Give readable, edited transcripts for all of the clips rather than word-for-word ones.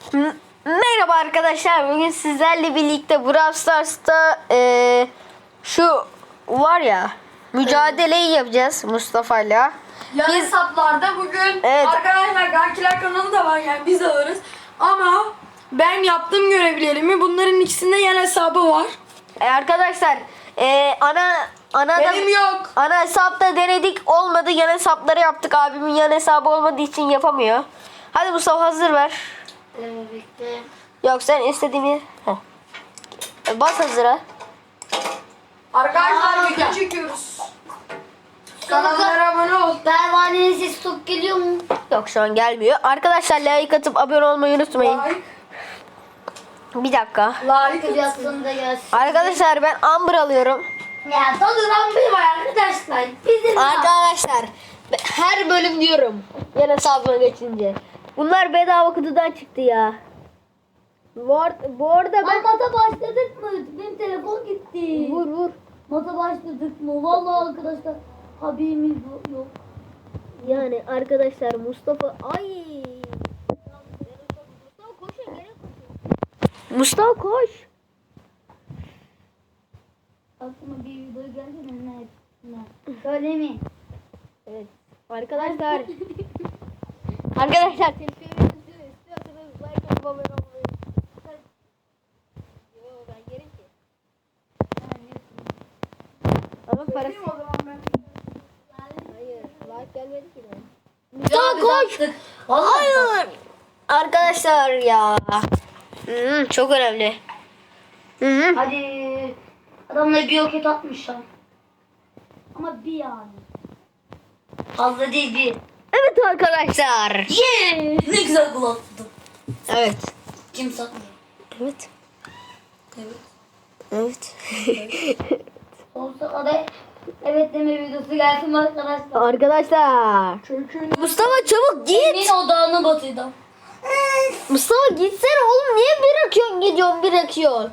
Merhaba arkadaşlar. Bugün sizlerle birlikte Brawl Stars'ta şu var ya mücadeleyi yapacağız Mustafa'yla. Yan hesaplarda bugün arkadaşlar Gankiler kanalı da var, yani biz alırız. Ama ben yaptığım görevlerimi, bunların ikisinde yan hesabı var. Arkadaşlar Benim yok. ana hesapta denedik, olmadı. Yan hesapları yaptık. Abimin yan hesabı olmadığı için yapamıyor. Hadi Mustafa hazır ver. Bekle. Yok sen istediğini bas hazıra. Arkadaşlar video çekiyoruz. Kanallara abone ol. Pervanenin sesi çok geliyor mu? Yok şu an gelmiyor. Arkadaşlar like atıp abone olmayı unutmayın. Like. Bir dakika. Like. Biraz da gelsin. Arkadaşlar ben Amber alıyorum. Ya dolan bir var arkadaşlar. Bizim Arkadaşlar her bölüm diyorum. Yan hesabıma geçince. Bunlar bedava kutudan çıktı ya. Bu arada ben... Mata başladık mı? Benim telefon gitti. Vur. Mata başladık mı? Vallahi arkadaşlar haberimiz yok. Yani arkadaşlar Mustafa... Ay. Mustafa koş. Aklıma bir video geldi mi? Ne? Söylemeyin. Evet. Arkadaşlar. Arkadaşlar telefonu istiyorsanız like atıp abone olmayı. Yo ben yerim ki. Ama parası... O zaman ben. Hayır. Like gelmedi ki de. Mustafa koş. Hayır. Arkadaşlar ya. Çok önemli. Hadi. Adamlar bir roket atmışlar. Ama bir yani. Fazla değil bir. Evet arkadaşlar. Yeah! Ne güzel gol attım. Evet. Kim satmıyor? Evet. Evet. Evet. Olsa da evet deme videosu gelsin arkadaşlar. Arkadaşlar. Çünkü Mustafa çabuk git. Emin odağına batıydım. Mustafa gitsene oğlum. Niye bırakıyorsun gidiyorsun bırakıyorsun.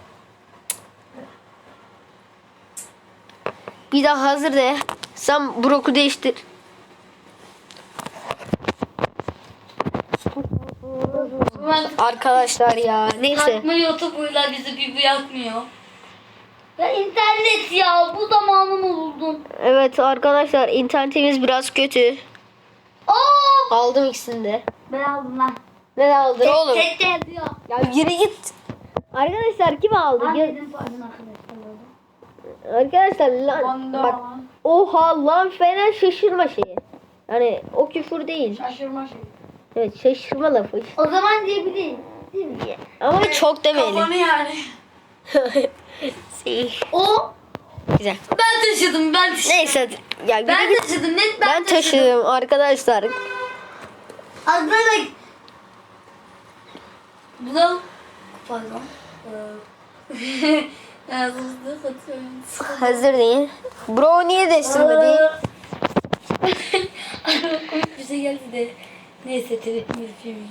Bir daha hazır de. Sen Brock'u değiştir. Arkadaşlar ya. Neyse. Takma YouTube'uyla bizi bir bırakmıyor. Ya internet ya bu zamanımı buldum. Evet arkadaşlar internetimiz biraz kötü. Aa! Aldım ikisini de. Ben aldım lan. Ne aldın oğlum? Tek diyor. Ya yürü git. Arkadaşlar kim aldı? Ben Gel- dedim pardon arkadaşlar. Arkadaşlar lan Banda. bak. Oha lan fena şaşırma şeyi. Yani o küfür değil. şaşırma şey. Evet şaşırma lafı. O zaman diyebiliriz. Değil mi? Ama çok demeyelim. Kafanı yani. O Güzel. ben taşıdım Neyse hadi. Ya yürü Ben git. taşıdım net Ben taşıdım arkadaşlar. Aslında da bu da pardon. Yazıldı katıyorum. Hazır değil. Bro niye değiştirmedi? Komik bir şey geldi de. Neyse telefonu yapayım.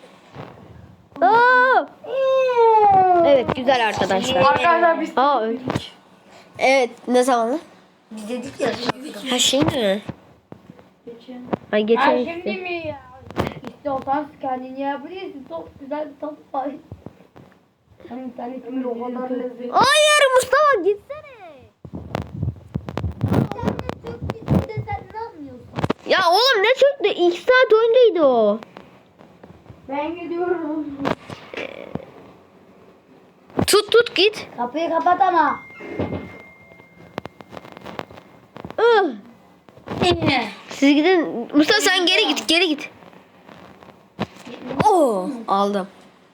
Aa! Evet güzel arkadaşlar. Arkadaşlar biz Aa öyle. Evet ne zaman? Biz dedik ya. Ha şey mi? geçin. Ay geçen Şimdi işte. mi ya? İstiyorsan kendini yapabilirsin. Çok güzel bir top var. Hani internetimiz O kadar lezzetli. Hayır Mustafa gitsene. İnternet çok gitti de sen ne yapmıyorsun? Ya oğlum ne çöktü? 2 saat önceydi o. Ben gidiyorum. Tut git. Kapıyı kapat ama. Siz gidin. Mustafa sen geri git. Oo, aldım.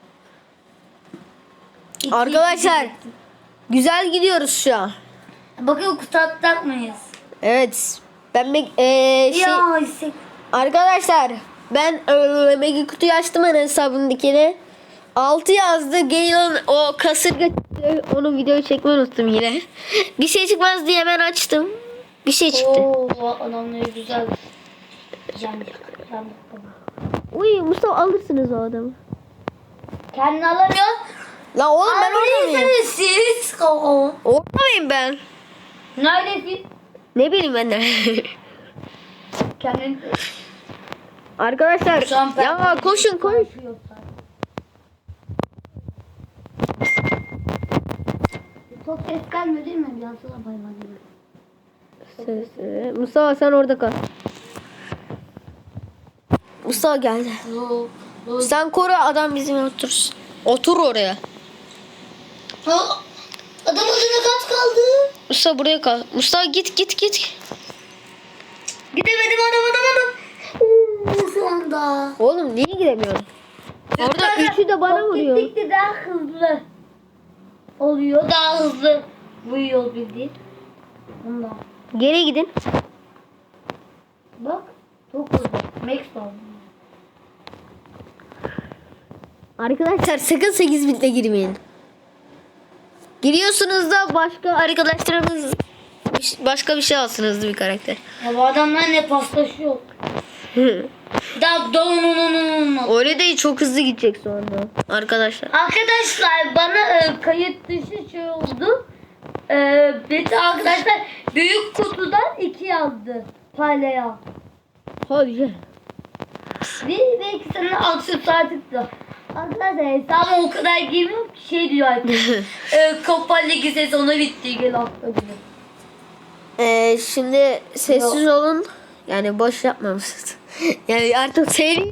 Arkadaşlar güzel gidiyoruz şu an. Bakın kutu atacak mıyız? Evet. Ben Ya hisset. arkadaşlar ben Mega kutuyu açtım ana hesabındakini. 6 yazdı. Gale'ın o kasırga çıktı. Onun videoyu çekmeyi unuttum yine. Bir şey çıkmaz diye hemen açtım. Bir şey çıktı. Oo adamları güzel. Yandık. Uy Mustafa alırsınız o adamı. Kendini alamıyor. La oğlum ben orada mıyım? Neredesiniz siz? Orada mıyım ben? Neredesin? Ne bileyim ben de. Kendin Arkadaşlar Şu an ya koşun koş. Çok ses gelmiyor değil mi? Yansına bayman gibi. Mustafa sen orada kal. Mustafa geldi. Sen koru, adam bizim otursun. Otur oraya. Adam adına kaç kaldı? Mustafa buraya kal. Mustafa git. Gidemedim adam. Şu anda. Oğlum niye gidemiyorsun? Orada üçü de bana vuruyor. Gittikçe daha hızlı oluyor. Daha hızlı vuruyor bildiğin. Ondan. Geri gidin. Bak. Çok hızlı. Max oldu. Arkadaşlar sakın 8 bitle girmeyin. Giriyorsunuz da başka arkadaşlarınız başka bir şey alsın, hızlı bir karakter. Ya bu adamlar ne paslaşıyor. Öyle değil, çok hızlı gidecek sonra arkadaşlar. Arkadaşlar bana kayıt dışı şey oldu. Bir de arkadaşlar büyük kutudan 2 yazdı. Palaya. Hadi gel. Ve ikisinin aksesuarlık da. Arkadaşlar hesabım o kadar girmiyorum ki şey diyor artık. Kupa Ligi sezonu bitti. Gel atla bile. Şimdi sessiz olun. Yani boş yapmamışsınız. Yani artık seri.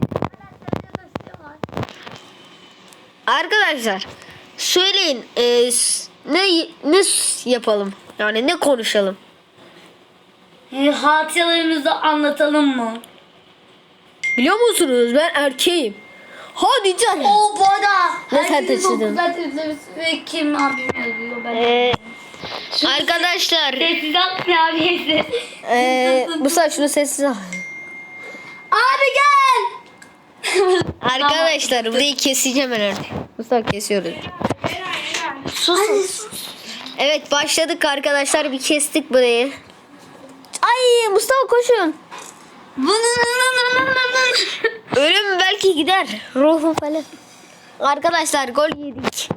Arkadaşlar söyleyin, ne yapalım? Yani ne konuşalım? Hatıralarımızı anlatalım mı? Biliyor musunuz, ben erkeğim. Hadi canım. O bu arada Ne sen herkesin taşıdın? çok güzel izlemesi ve kim abim yazıyor ben. Arkadaşlar Sessiz atmıyor abisi. Musa şunu sessiz al. Abi gel. Arkadaşlar burayı keseceğim herhalde. Musa kesiyoruz. Sus. Evet başladık arkadaşlar, bir kestik burayı. Ay Mustafa koşun. Ölüm belki gider. Ruhum falan. Arkadaşlar gol yedik.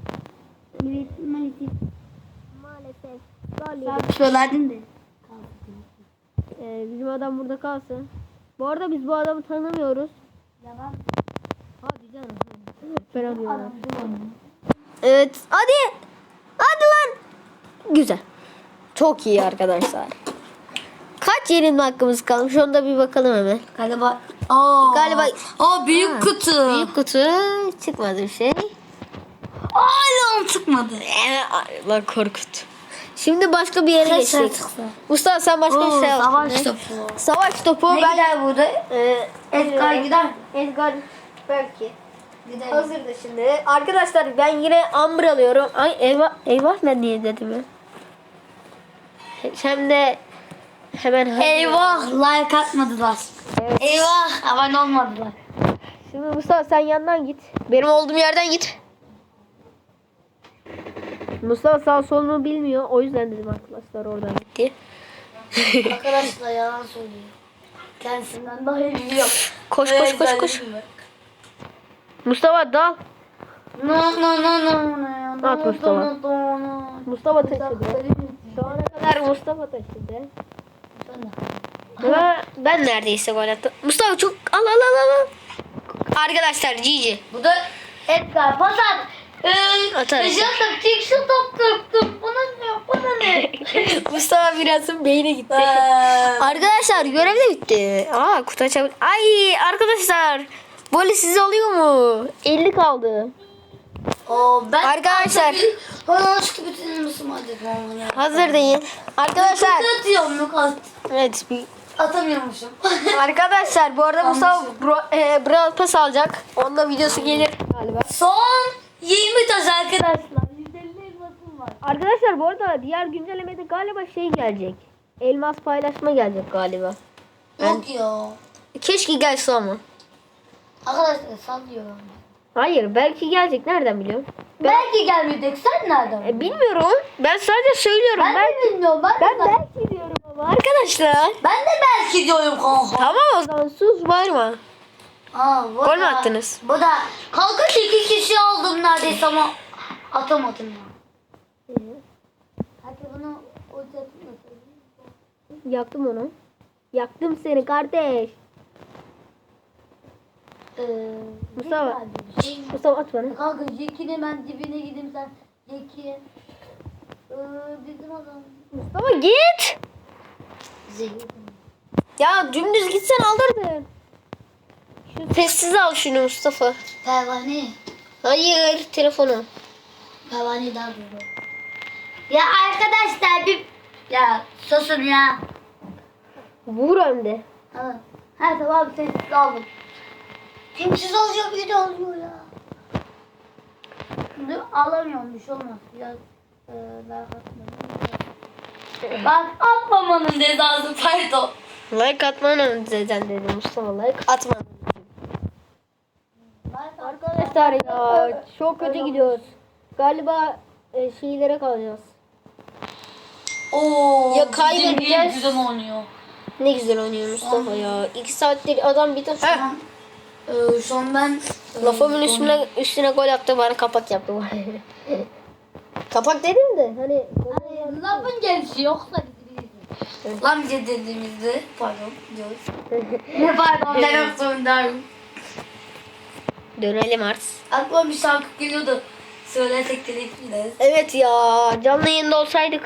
Maalesef. Gol yedik. Söylerdin de. Bizim adam burada kalsın. Bu arada biz bu adamı tanımıyoruz. Yalan. Hadi canım. Ben alıyorum. Evet hadi. Hadi lan. Güzel. Çok iyi arkadaşlar. Kaç yenilme hakkımız kalmış? Onu da bir bakalım hemen. Galiba. Galiba Büyük kutu. büyük kutu çıkmadı bir şey. Hala çıkmadı. Lan korkut. Şimdi başka bir yere geçtik. Mustafa sen başka bir şey al. Savaş şimdi. topu. Savaş topu. Ne Ben gider burada? Edgar gider. Edgar belki. Gider. Hazırdı şimdi. Arkadaşlar ben yine Amber alıyorum. Ay eyvah ben niye dedim ya. Hem de hemen Eyvah like atmadılar. Evet. Eyvah abone olmadılar. Şimdi Mustafa sen yandan git. Benim olduğum yerden git. Mustafa sağ solunu bilmiyor. O yüzden dedim arkadaşlar oradan gitti. Arkadaşlar yalan söylüyor. Kendisinden daha iyi biliyor. Koş. Mustafa dal. No. At Mustafa. Mustafa taşıdı. Şu ana kadar Mustafa taşıdı. Ben neredeyse gol attım. Mustafa çok al. Arkadaşlar GG. Bu da Edgar pas at. Atarım. Şu top tuttum. Bana ne? Mustafa birazın beyni gitti. Arkadaşlar görev de bitti. Kutu açabilir. Ay arkadaşlar. Böyle size oluyor mu? 50 kaldı. Ben Arkadaşlar. Bana çıktı bütün hadi. Hazır değil. Arkadaşlar. Atıyorum yok at. Evet. Atamıyormuşum. Arkadaşlar bu arada Mustafa Brawl Pass alacak. Onda videosu gelir galiba. Son 20 taş arkadaşlar. 150 elmasım var. Arkadaşlar bu arada diğer güncellemede galiba şey gelecek. Elmas paylaşma gelecek galiba. Yok ya. Keşke gelse ama. Arkadaşlar sallıyorum. Hayır belki gelecek, nereden biliyorum? Belki gelmeyecek. Sen nereden? Bilmiyorum. Ben sadece söylüyorum. Ben de bilmiyorum. Ben belki diyorum ama arkadaşlar. Ben de belki diyorum kanka. Tamam o zaman sus bağırma. Gol mü attınız? Bu da kanka 2 kişi aldım neredeyse ama atamadım ya. Hadi bunu Yaktım onu. Yaktım seni kardeş. Mustafa. Şey, Mustafa at bana. kanka Jack'in hemen dibine gideyim sen. Jack'in. Bizim adam. Mustafa git. Zehir. Ya dümdüz gitsen alırdın. Şu sessiz al şunu Mustafa. Pervane. Hayır telefonu. Pervane daha dolu. Ya arkadaşlar bir... Ya susun ya. Vur hem de. Ha tamam sessiz aldım. Sessiz olacak bir de oluyor ya. Şimdi alamıyorum bir şey olmaz. Biraz daha atmadım. Bak atmamanın cezası pardon. Like atmanın zaten dedim Mustafa, like atmanın. Arkadaşlar ya çok kötü gidiyoruz. Galiba şeylere kalacağız. Oo. Ya kaybedeceğiz. Güzel oynuyor. Ne güzel oynuyor Mustafa ya. 2 saattir adam bir tane. Şu an ben Lafımın üstüne gol attı, bana kapak yaptı. Kapak dedim de hani. lafın gelişi yoksa lan bize dediğimizde pardon diyoruz. Ne pardon demek zorundayım. Dönelim artık. Aklıma bir şarkı geliyordu. Söylesek de gideriz. Evet ya, canlı yayında olsaydık.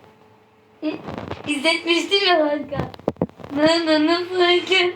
İzletmiştim ya kanka. Nananı fakir.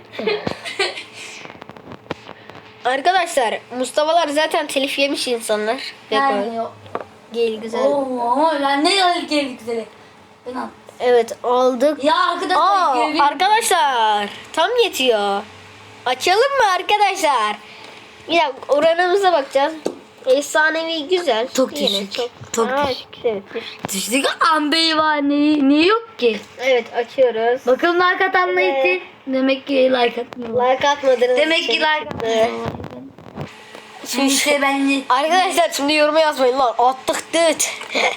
Arkadaşlar Mustafa'lar zaten telif yemiş insanlar. Ve Yani gol. Gel güzel. Oo, ben ne geldik güzeli. Ben al. Evet aldık. Ya arkadaşlar. Arkadaşlar tam yetiyor. Açalım mı arkadaşlar? Bir dakika oranımıza bakacağız. Efsanevi güzel. Çok Yine düşük. Çok Aa, düşük. Evet, düşük. Düştük ambeyi var ne yok ki. Evet açıyoruz. Bakalım like atanlar Evet. için. Demek ki like atmıyor. Like atmadınız. Demek ki için. like atmıyor. Şimdi işte ben Arkadaşlar şimdi yoruma yazmayın lan. Attık dıt.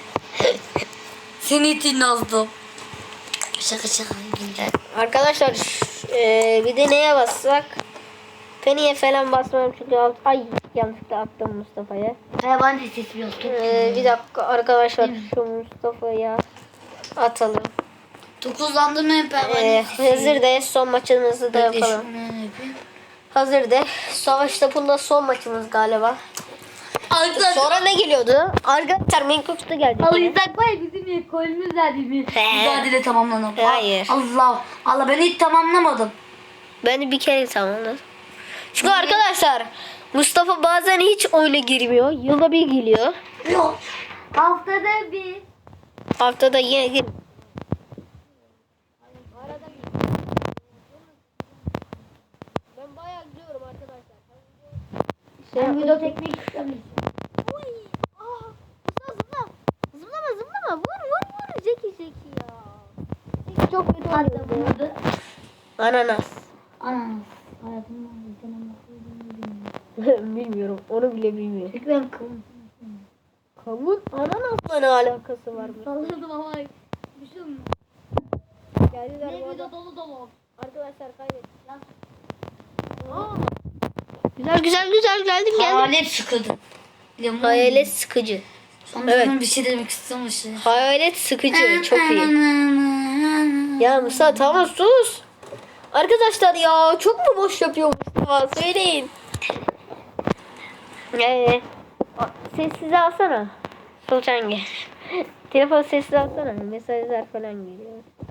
seni için yazdım. Şaka şaka güzel. Arkadaşlar bir de neye bassak? Penny'e falan basmam çünkü ay yanlışlıkla attım Mustafa'ya. Hayvan sesi yok. Bir dakika arkadaşlar şu Mustafa'ya atalım. Dokuzlandım hep hayvan Hazır de son maçımızı da yapalım. Hazır de. Savaş topunda son maçımız galiba. Arkadaşlar Sonra ne geliyordu? Arkadaşlar Minecraft'ta geldi. alırsak var ya bizim ekolümüz verdiğimiz. Mücadele tamamlanalım. Hayır. Allah ben hiç tamamlamadım. Ben de bir kere tamamladım. Çünkü arkadaşlar Mustafa bazen hiç oyuna girmiyor. Yılda bir geliyor. Yok. Haftada bir. Haftada yine gir. Ben bayağı gidiyorum arkadaşlar. Ben video çekmek istemiyorum. Zıplama. Vur. Zeki ya. Zeki çok kötü Hatta oynuyor. bunu da. Ananas. Ananas. Hayatımda bir Bilmiyorum. Onu bile bilmiyorum. Çünkü ben kıvım. Kavun ananasla ne alakası var mı? Salladım ama bir şey olmuyor. Geldiler bu arada. Dolu. Arkadaşlar kaybettik. Güzel geldim. Hayalet sıkıdı. Hayalet sıkıcı. Evet. Evet. Bir şey demek istemiştim. Hayalet sıkıcı. Çok iyi. Ya Musa tamam sus. Arkadaşlar ya çok mu boş yapıyor Mustafa? Söyleyin. Sessize alsana. Sultange. Telefon sessiz alsana. Mesajlar falan geliyor.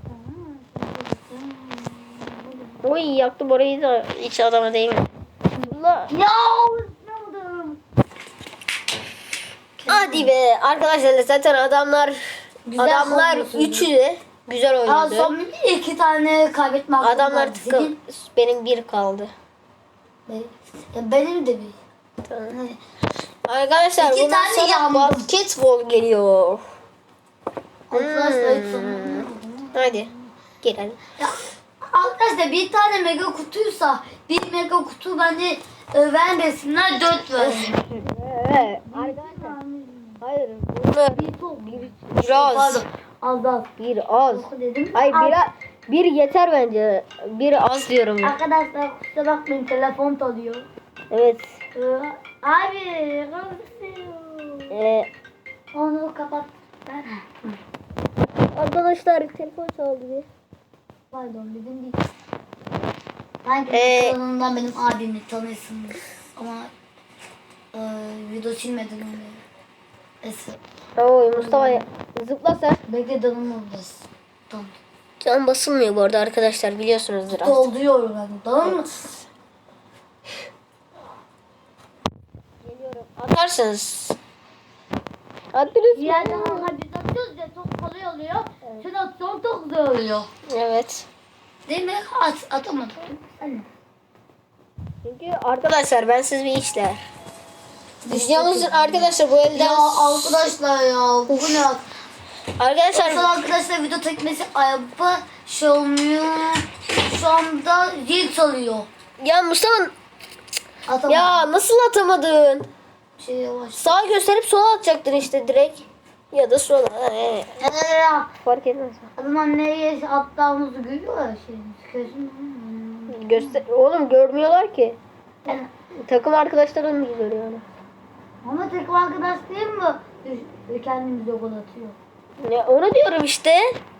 Oy yaktım orayı da hiç adama değil mi? Allah. Ya ne oldu? Hadi be. Arkadaşlar zaten adamlar oynuyorsun. üçü de güzel Aa, oynadı. son bir iki tane kaybetme hakkım Adamlar var. tıkıl. Benim bir kaldı. Benim de bir. Tamam. Arkadaşlar İki bundan tane sonra yandım. basketbol geliyor. Arkadaşlar hiç sorun yok. Hadi. Gelelim. Ya, arkadaşlar bir tane mega kutuysa bir mega kutu bence vermesinler 4 versin. Evet. Arkadaşlar. Hayır. Bunu Bir top. biraz. Pardon. Az. Bir az. Dedim. Hayır bir yeter bence. Bir az diyorum. Ya. Arkadaşlar kusura bakmayın telefon çalıyor. Evet. Abi konuşuyor. Onu kapat. Arkadaşlar telefon çaldı bir. Pardon dedim değil. Ben Ee, kanalımdan benim abimi tanıyorsunuz. Ama video silmeden önce. Eski. Oy Mustafa zıpla sen. Bekle danım oradasın. Tamam. Can basılmıyor bu arada arkadaşlar biliyorsunuzdur artık. Dolduruyorum ben. Danım mı? Geliyorum. Atarsınız. Attınız Bir yerden biz atıyoruz ya çok kolay oluyor. Sen atıyorsun çok güzel oluyor. Evet. Değil mi? Atamadım. Anne. Çünkü arkadaşlar ben siz bir işler. Yalnız arkadaşlar bu elden... Ya arkadaşlar ya bu ne? Arkadaşlar Sonra arkadaşlar video tekmesi ayıpı şey olmuyor. Şu anda zil çalıyor. ya Mustafa Atamadım. ya nasıl atamadın? Şey yavaş. Sağa gösterip sola atacaktın işte direkt. Ya da sola. Ya. Fark etmez. Adam nereye attığımızı görüyor ya şey. Gözüm. Göster oğlum görmüyorlar ki. Yani, Takım arkadaşların mı görüyor onu? ama tek arkadaş değil mi? Kendimize gol atıyor. Ya onu diyorum işte.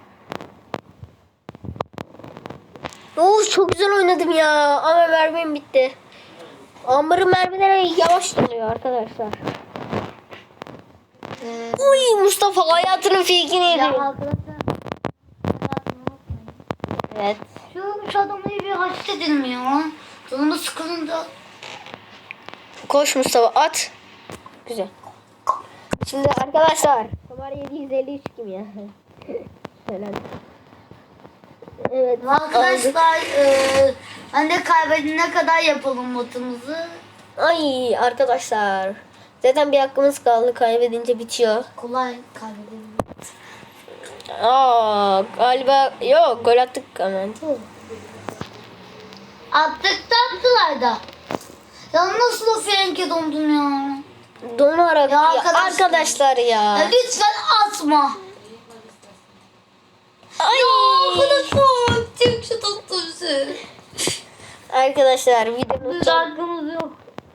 Çok güzel oynadım ya. Ama mermim bitti. Ambar'ın mermileri yavaş doluyor arkadaşlar. Uy Mustafa hayatının fake'ini Ya yedi. arkadaşlar. Evet. Şu adamı bir hareket edilmiyor. Canımı sıkılınca. Koş Mustafa at. Güzel. Şimdi arkadaşlar. Kamar 753 kim ya? Helal. Evet. Arkadaşlar ben de kaybedene kadar yapalım matımızı. Ay arkadaşlar. Zaten bir hakkımız kaldı. Kaybedince bitiyor. Kolay kaybedelim. Galiba yok gol attık ama. Attık tatlılar da. Ya nasıl o frenke dondun ya? Donarak Ya ya arkadaşlar. ya. Ya lütfen atma. Ay. Arkadaşlar çok şu tatlısı. Arkadaşlar videomuz Biz hakkımız yok.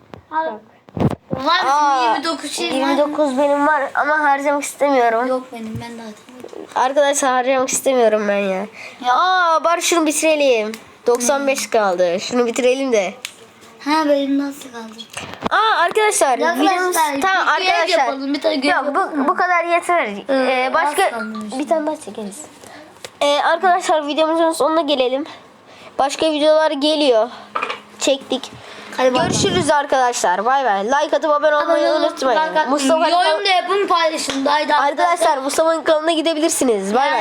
Var Aa, mısın? 29 şey var. 29 benim var ama harcamak istemiyorum. Yok benim ben de atamadım. Arkadaşlar harcamak istemiyorum ben ya. Bari şunu bitirelim. 95 kaldı. Şunu bitirelim de. Ha benim nasıl kaldı? Arkadaşlar videomuz Arkadaşlar tamam bir görev arkadaşlar. yapalım, bir tane görev Yok yapalım. bu kadar yeter. Başka az kalmış. bir tane daha çekeriz. Arkadaşlar videomuzun sonuna gelelim. Başka videolar geliyor. Çektik. Hadi bay bay. Görüşürüz arkadaşlar. Bay bay. Like atıp abone olmayı unutmayın. Mustafa'nın Yorum da yapın paylaşın. Day day. arkadaşlar Mustafa'nın kanalına gidebilirsiniz. Bay bay.